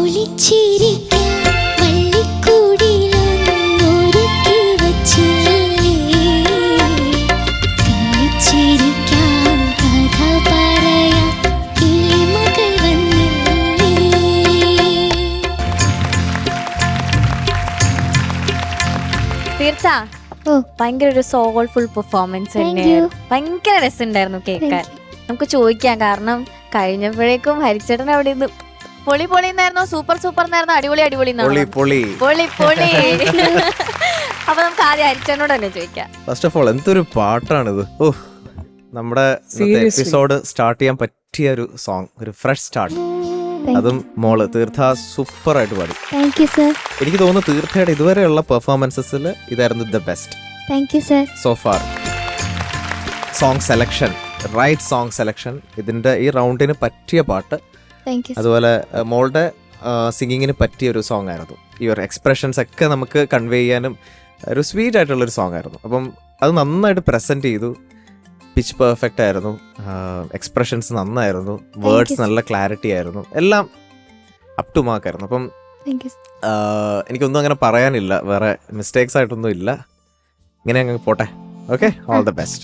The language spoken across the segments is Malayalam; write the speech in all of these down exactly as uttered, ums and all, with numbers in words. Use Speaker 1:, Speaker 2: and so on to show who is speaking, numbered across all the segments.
Speaker 1: തീർച്ച ഭയങ്കര ഒരു സോൾഫുൾ പെർഫോമൻസ് തന്നെയായിരുന്നു. ഭയങ്കര രസമുണ്ടായിരുന്നു കേൾക്കാൻ. നമുക്ക് ചോദിക്കാം, കാരണം കഴിഞ്ഞപ്പോഴേക്കും ഹരിച്ചേട്ടൻ അവിടെ നിന്ന് പൊളി പൊളി എന്നായിരുന്നോ സൂപ്പർ സൂപ്പർ എന്നായിരുന്നോ അടിപൊളി അടിപൊളി പൊളി പൊളി. അപ്പൊ നമുക്ക് ആദ്യം ഹരിച്ചേട്ടനോട് തന്നെ ചോദിക്കാം.
Speaker 2: ഫസ്റ്റ് ഓഫ് ഓൾ എന്തൊരു പാട്ടാണിത്. ഓ, നമ്മുടെ എപ്പിസോഡ് സ്റ്റാർട്ട് ചെയ്യാൻ പറ്റിയ ഒരു സോങ്, ഒരു ഫ്രഷ് സ്റ്റാർട്ട്. അതും മോള് തീർത്ഥ സൂപ്പർ ആയിട്ട് പാടി. എനിക്ക് തോന്നുന്നു തീർത്ഥയുടെ ഇതുവരെയുള്ള പെർഫോമൻസസിൽ ഇതായിരുന്നു the best so far. Song selection, right song selection, ഇതിന്റെ ഈ റൗണ്ടിന് പറ്റിയ പാട്ട്. അതുപോലെ മോളുടെ സിംഗിങ്ങിന് പറ്റിയ ഒരു സോങ് ആയിരുന്നു. ഈ ഒരു എക്സ്പ്രഷൻസ് ഒക്കെ നമുക്ക് കൺവേ ചെയ്യാനും ഒരു സ്വീറ്റ് ആയിട്ടുള്ളൊരു സോങ് ആയിരുന്നു. അപ്പം അത് നന്നായിട്ട് പ്രസന്റ് ചെയ്തു. പിച്ച് പെർഫെക്റ്റ് ആയിരുന്നു, എക്സ്പ്രഷൻസ് നന്നായിരുന്നു, വേർഡ്സ് നല്ല ക്ലാരിറ്റി ആയിരുന്നു, എല്ലാം അപ് ടു മാർക്ക് ആയിരുന്നു. അപ്പം എനിക്കൊന്നും അങ്ങനെ പറയാനില്ല, വേറെ മിസ്റ്റേക്സ് ആയിട്ടൊന്നും ഇല്ല. ഇങ്ങനെ അങ്ങ് പോട്ടെ. Okay, all the best.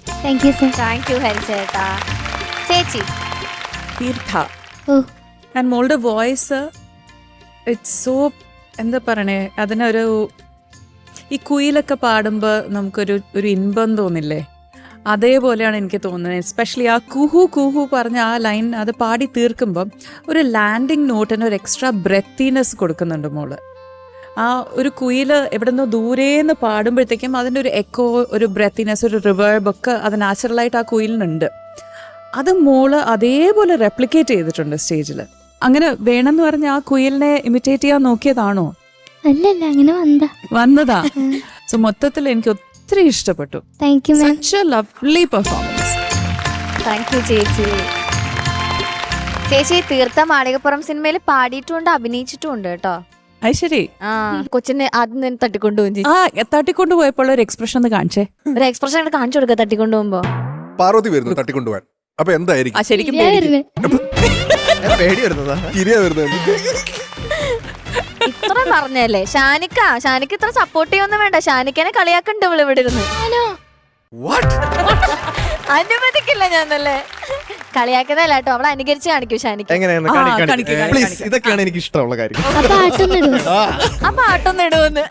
Speaker 1: ചേച്ചി
Speaker 3: തീർത്ഥ ആൻഡ് മോളുടെ വോയിസ് ഇറ്റ്സ് സോ, എന്താ പറയണേ, അതിനൊരു ഈ കുയിലൊക്കെ പാടുമ്പോൾ നമുക്കൊരു ഒരു ഇൻപം തോന്നില്ലേ, അതേപോലെയാണ് എനിക്ക് തോന്നുന്നത്. എസ്പെഷ്യലി ആ കുഹു കുഹു പറഞ്ഞ ആ ലൈൻ അത് പാടി തീർക്കുമ്പം ഒരു ലാൻഡിങ് നോട്ടിന് ഒരു എക്സ്ട്രാ ബ്രെത്തിനെസ് കൊടുക്കുന്നുണ്ട് മോള്. ആ ഒരു കുയില് എവിടെ നിന്നോ ദൂരേന്ന് പാടുമ്പോഴത്തേക്കും അതിൻ്റെ ഒരു എക്കോ, ഒരു ബ്രെത്തിനെസ്, ഒരു റിവേർബ് ഒക്കെ അത് നാച്ചുറലായിട്ട് ആ കുയിലിനുണ്ട്. അത് മോള് അതേപോലെ റെപ്ലിക്കേറ്റ് ചെയ്തിട്ടുണ്ട് സ്റ്റേജിൽ. അങ്ങനെ വേണമെന്ന് പറഞ്ഞ ആ കുയിലിനെ ഇമിറ്റേറ്റ് ചെയ്യാൻ നോക്കിയതാണോ?
Speaker 4: അല്ലല്ല, അങ്ങനെ വന്നതാ
Speaker 3: വന്നതാ സോ മൊത്തത്തിൽ എനിക്ക് ഒത്തിരി ഇഷ്ടപ്പെട്ടു. Such a lovely performance.
Speaker 1: Thank you ചേച്ചി. ചേച്ചി തീർത്ഥ മാളികപ്പുറം സിനിമയിൽ പാടിയിട്ടുണ്ട്, അഭിനയിച്ചിട്ടുണ്ട് കേട്ടോ.
Speaker 3: അത് ശരി.
Speaker 1: ആ കൊച്ചിനെ ആദ്യം തന്നെ തട്ടിക്കൊണ്ടുപോകും.
Speaker 3: ആ തട്ടിക്കൊണ്ടു പോയപ്പോൾ ഒരു എക്സ്പ്രഷൻ ഒന്ന് കാണിച്ചേ.
Speaker 1: ഒരു എക്സ്പ്രഷൻ കാണിച്ചു കൊടുക്കുക തട്ടിക്കൊണ്ടു പോകുമ്പോ.
Speaker 5: പാർവതി വരുന്നു തട്ടിക്കൊണ്ടുപോകാൻ. അപ്പൊ എന്തായിരിക്കും?
Speaker 3: ശരിക്കും
Speaker 2: പേടി വരുന്നതാ.
Speaker 1: ഇത്ര പറഞ്ഞല്ലേ ഷാനിക്ക. ഷാനിക്ക ഇത്ര സപ്പോർട്ട് ചെയ്യൊന്നും വേണ്ട. ഷാനിക്കനെ കളിയാക്കണ്ട് ഇവള് ഇവിടെ ഇരുന്ന്. അനുവദിക്കില്ല ഞാനല്ലേ. കളിയാക്കുന്നല്ല കേട്ടോ, അവളെ അനുകരിച്ച് കാണിക്കൂ ഷാനിക്ക.
Speaker 2: ഇതൊക്കെയാണ് എനിക്ക് ഇഷ്ടമുള്ള കാര്യം.
Speaker 1: ആ പാട്ടൊന്നും ഇടുവന്ന്.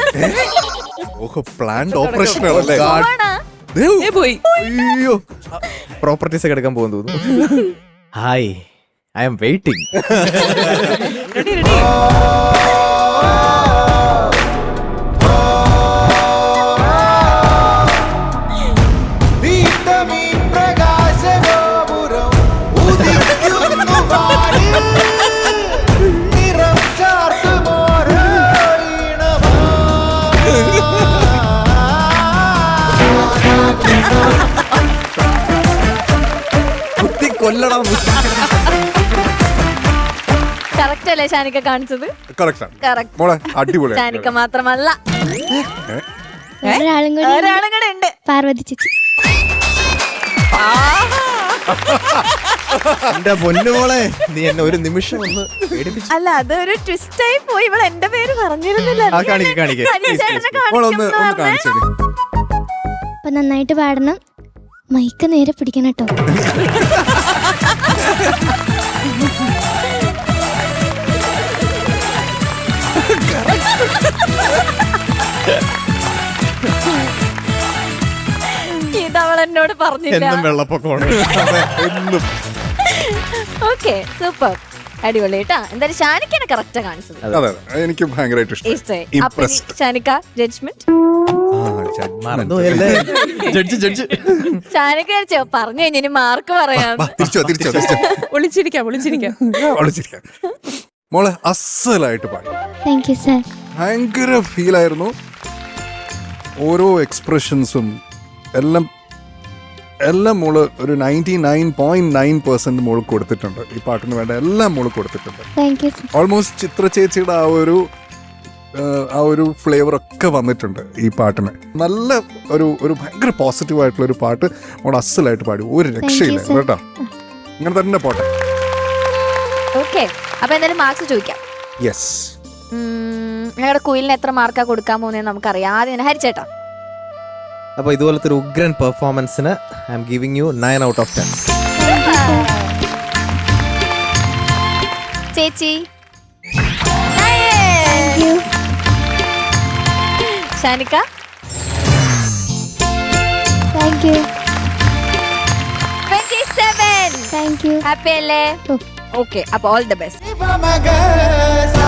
Speaker 2: പ്രോപ്പർട്ടീസ് ഒക്കെ എടുക്കാൻ പോകുന്നു തോന്നുന്നു. Hi, I am waiting.
Speaker 1: Correct അല്ലേ ഷാനിക്ക കാണിച്ചത്? ഷാനിക്ക മാത്രമല്ല, ഒരാളും കൂടെ ഉണ്ട്,
Speaker 4: പാർവതി ചേച്ചി.
Speaker 2: എന്റെ പൊന്നുമോളെ, നീ എന്നെ ഒരു നിമിഷം ഒന്ന് പേടിപ്പിച്ചു.
Speaker 1: അല്ല, അതൊരു ട്വിസ്റ്റ് ആയി പോയി. ഇവൾ എന്റെ പേര് പറഞ്ഞിരുന്നില്ല.
Speaker 4: അപ്പൊ നന്നായിട്ട് പാടണം, മൈക്ക് നേരെ പിടിക്കണം കേട്ടോ.
Speaker 1: ഇതവൾ എന്നോട് പറഞ്ഞില്ല. ഓക്കെ, സൂപ്പർ, അടിപൊളി കേട്ടാ. എന്തായാലും ഷാനിക്കാണ് കറക്റ്റാ കാണിച്ചത്.
Speaker 5: എനിക്ക് ഭയങ്കരമായിട്ട്
Speaker 1: ഇഷ്ടമായി. ഷാനിക്ക ജഡ്ജ്മെന്റ്. ഷാനിക്ക പറഞ്ഞു കഴിഞ്ഞ ഇനി മാർക്ക് പറയാം.
Speaker 3: ഒളിച്ചിരിക്കാം ഒളിച്ചിരിക്കാം
Speaker 5: മോളെ അസലായിട്ട് പാടി.
Speaker 4: Thank you sir.
Speaker 5: ഭയങ്കര ഫീൽ ആയിരുന്നു. ഓരോ എക്സ്പ്രഷൻസും എല്ലാം എല്ലാം മോള് ഒരു ninety nine point nine percent മോള് കൊടുത്തിട്ടുണ്ട്. ഈ പാട്ടിന് വേണ്ട എല്ലാം മോള് കൊടുത്തിട്ടുണ്ട്. ഓൾമോസ്റ്റ് ചിത്ര ചേച്ചിയുടെ ആ ഒരു ആ ഒരു ഫ്ലേവർ ഒക്കെ വന്നിട്ടുണ്ട് ഈ പാട്ടിന്. നല്ല ഒരു ഒരു ഭയങ്കര പോസിറ്റീവ് ആയിട്ടുള്ള ഒരു പാട്ട് മോള് അസലായിട്ട് പാടി. ഒരു രക്ഷയില്ല കേട്ടോ. ഇങ്ങനെ തന്നെ പോട്ടെ.
Speaker 1: ഓക്കെ, അപ്പൊ എന്തായാലും മാർക്സ് ചോദിക്കാം.
Speaker 5: യെസ്.
Speaker 1: ഞങ്ങളുടെ കുയിലിന് എത്ര മാർക്കാ കൊടുക്കാൻ പോകുന്നത് നമുക്കറിയാം. ആദ്യം ഹരിച്ചേട്ടാ.
Speaker 2: അപ്പൊ ഇതുപോലത്തെ ഒരു ഉഗ്രൻ പെർഫോമൻസിന് I am giving you nine out of ten.
Speaker 1: ചേച്ചി Shanika
Speaker 4: thank you
Speaker 1: twenty seven.
Speaker 4: Thank you.
Speaker 1: Happy അല്ലേ?
Speaker 4: ഓ.
Speaker 1: ഓക്കെ, അപ്പൊ ഓൾ ദ ബെസ്റ്റ്.